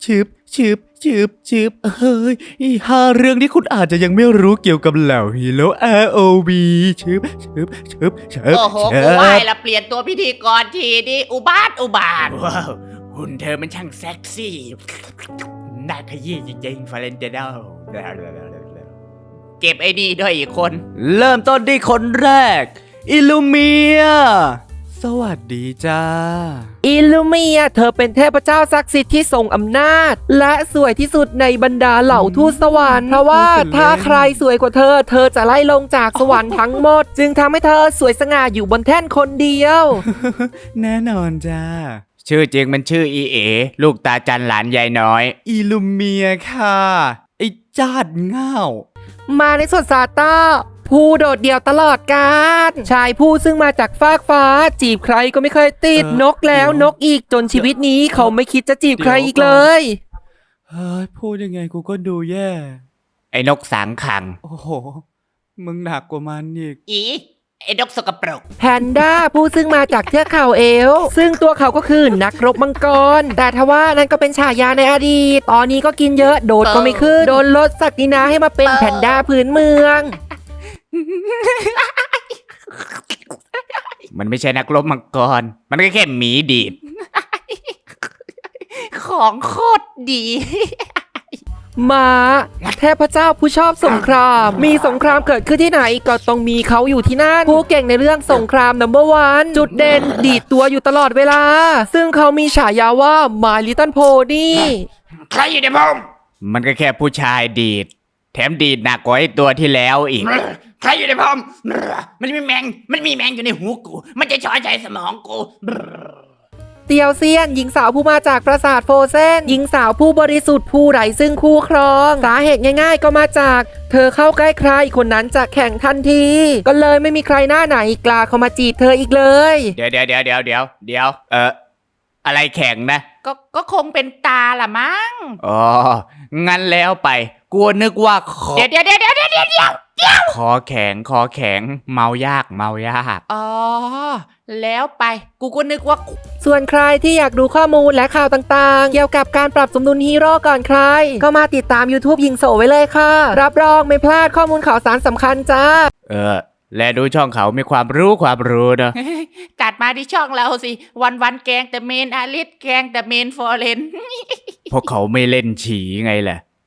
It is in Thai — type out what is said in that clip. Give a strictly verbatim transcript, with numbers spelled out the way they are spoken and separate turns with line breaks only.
ชืบชืบชืบชืบเฮ้ยอีห้าเรื่องที่คุณอาจจะยังไม่รู้เกี่ยวกับเหล่าฮีโร่ อาร์ โอ วี ชืบชืบชืบชืบ
โอ้โห
ชื
กูไหว
บ
ละเปลี่ยนตัวพิธีกรทีดิอุบาทอุบาทว้าวหุ่นเธอมันช่างเซ็กซี่น่าขยี้จริงๆฟาเรนเจโดเก็บไอ้นี่ด้วยอีกคน
เริ่มต้นที่คนแรก อิลูเมีย สวัสดีจ้า
อิลูเมียเธอเป็นเทพเจ้าศักดิ์สิทธิ์ที่ทรงอำนาจ และสวยที่สุดในบรรดาเหล่าทูตสวรรค์เพราะว่าถ้าใครสวยกว่าเธอ เธอจะไล่ลงจากสวรรค์ทั้งหมด จึงทำให้เธอสวยสง่าอยู่บนแท่นคนเดียว
แน่นอนจ้า
ชื่อจริงมันชื่ออีเอ ลูกตาจันหลานยายน้อย
อิลูเมียค่ะ ไอ้จาดง่าว
มาในส่วนซาต้าผู้โดดเดี่ยวตลอดกาลชายผู้ซึ่งมาจากฟากฟ้า จีบใครก็ไม่เคยติด
เออน
กแล้ว
เดี๋ยว
นกอีกจนชีวิตนี้เขาไม่คิดจะจีบใคร
เดี๋ยว
อีกเลย
เฮ้ย พูดยังไงกูก็ดูแย่
ไอ้นกสางขัง
โอ้โห มึงหนักกว่ามันอีก
อีไอ้นกสกปรก
แพนด้าผู้ซึ่งมาจากเทือกเขาเอลป์ซึ่งตัวเขาก็คือนักรบมังกร แต่ทว่านั่นก็เป็นฉายาในอดีต ตอนนี้ก็กินเยอะโดดก็ไม่ขึ้น โดนลดศักดินาให้มาเป็นแพนด้าพื้นเมือง
มันไม่ใช่นักรบมังกร มันก็แค่หมีดีด ของโคตรดี
ม้าเทพเจ้าผู้ชอบสงคราม มีสงครามเกิดขึ้นที่ไหนก็ต้องมีเขาอยู่ที่นั่น ผู้เก่งในเรื่องสงครามนัมเบอร์วันจุดเด่นดีดตัวอยู่ตลอดเวลา ซึ่งเขามีฉายาว่า My Little Pony
ใครอยู่ในพมมันก็แค่ผู้ชายดีด แถมดีดหนักกว่าไอ้ตัวที่แล้วอีก ใครอยู่ในพมมันมีแมง มันมีแมงอยู่ในหูกู มันจะช้อยใจสมองกู
เตียวเซียนหญิงสาวผู้มาจากปราสาทโฟเซนหญิงสาวผู้บริสุทธิ์ผู้ไร้ซึ่งคู่ครองสาเหตุง่ายๆก็มาจาก เธอเข้าใกล้ใครคนนั้นจะแข่งทันที ก็เลยไม่มีใครหน้าไหนกล้าเข้ามาจีบเธออีกเลย
เดี๋ยวเดี๋ยวเดี๋ยวเดี๋ยวเดี๋ยวเดี๋ยวเอออะไรแข็งนะ ก็ก็คงเป็นตาละมั้ง อ๋อ งั้นแล้วไป กลัวนึกว่าคอ เดี๋ยวเดี๋ยวเดี๋ยวเดี๋ยวเดี๋ยวเดี๋ยวคอแข็งคอแข็ง เมายากเมายาก อ๋อ แล้วไป กูก็นึกว่า
ส่วนใครที่อยากดูข้อมูลและข่าวต่างๆ เกี่ยวกับการปรับสมดุลฮีโร่ก่อนใคร ก็มาติดตาม YouTube ยิงโสไว้เลยค่ะ รับรองไม่พลาดข้อมูลข่าวสารสำคัญจ้า
เออ และดูช่องเขามีความรู้ความรู้เนอะ ตัดมาที่ช่องเราสิ วันวันๆแกงแต่เมนอาริสแกงแต่เมนฟอร์เรน พวกเขาไม่เล่นฉีไงแหละ